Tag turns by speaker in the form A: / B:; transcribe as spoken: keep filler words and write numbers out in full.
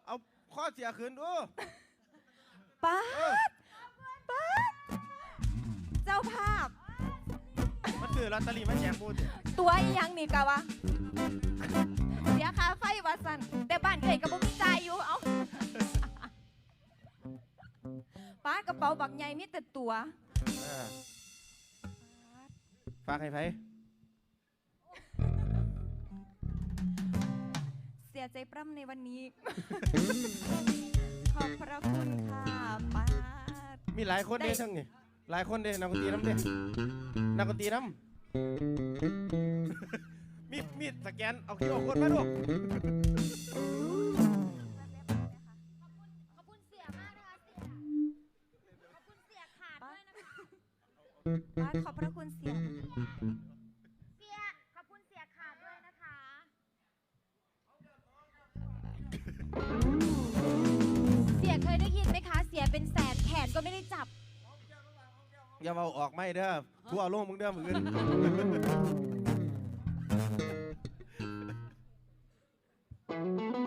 A: เอาข้อเสียคืนดู
B: ป้าดป้าดเจ้าภาพ
A: มันคือลอตเตอรี่มาแจกมูด
B: ตัวอีหยังนี่กะวะเสียค่าไฟวาสันแต่บ้านเกยกับบ่มีจ่ายอยู่เอาป้ากระเป๋าบักใหญ่มีแต่ตัว
A: ฝากให้ไผ
B: เสียใจปร่ำในวันนี้ ขอบพระคุณค่ะป้าด
A: มีหลายคนเด้ทั้งนี่หลายคนเด้นักดนตรีน้ำเด้นักดนตรีน้ำ มีมีสแกนเอาคิวเอาคนมาดู
C: ขอบคุณเสียมากนะคะเสียขอบคุณเสียขาดด้วยนะคะ
B: ป้าดขอบพระคุณเสีย
C: เสียขอบคุณเสียขาดด้วยนะคะ เสียเคยได้ยินไหมคะ เสียเป็นแสนแขนก็ไม่ได้จับ
A: อย่าเอาออกไม่เด้อทั่วโลกมึงเด้อมึงเงิน